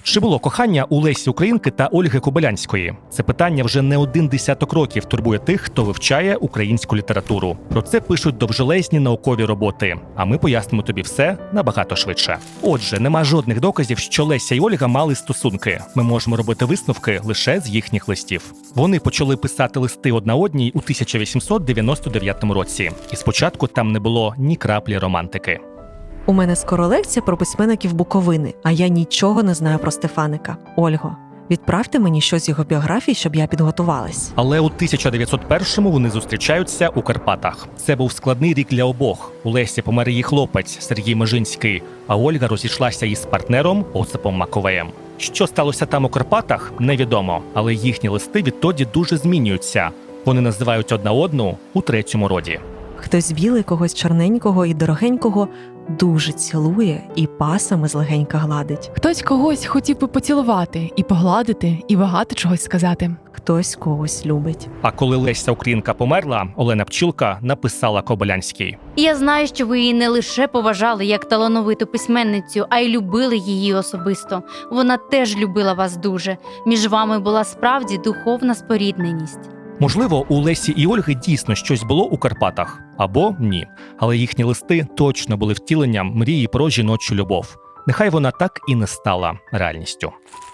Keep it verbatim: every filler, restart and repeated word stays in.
Чи було кохання у Лесі Українки та Ольги Кобилянської? Це питання вже не один десяток років турбує тих, хто вивчає українську літературу. Про це пишуть довжелезні наукові роботи, а ми пояснимо тобі все набагато швидше. Отже, нема жодних доказів, що Леся і Ольга мали стосунки. Ми можемо робити висновки лише з їхніх листів. Вони почали писати листи одна одній у тисяча вісімсот дев'яносто дев'ятому році. І спочатку там не було ні краплі романтики. У мене скоро лекція про письменників Буковини, а я нічого не знаю про Стефаника. Ольго, відправте мені щось з його біографії, щоб я підготувалась. Але у тисяча дев'ятсот першому вони зустрічаються у Карпатах. Це був складний рік для обох. У Лесі помер її хлопець Сергій Межинський, а Ольга розійшлася із партнером Осипом Маковеєм. Що сталося там у Карпатах, невідомо, але їхні листи відтоді дуже змінюються. Вони називають одна одну у третьому роді. Хтось білий, когось чорненького і дорогенького дуже цілує і пасами злегенька гладить. Хтось когось хотів би поцілувати, і погладити, і багато чогось сказати. Хтось когось любить. А коли Леся Українка померла, Олена Пчілка написала Кобилянській. Я знаю, що ви її не лише поважали як талановиту письменницю, а й любили її особисто. Вона теж любила вас дуже. Між вами була справді духовна спорідненість. Можливо, у Лесі і Ольги дійсно щось було у Карпатах, або ні. Але їхні листи точно були втіленням мрії про жіночу любов. Нехай вона так і не стала реальністю.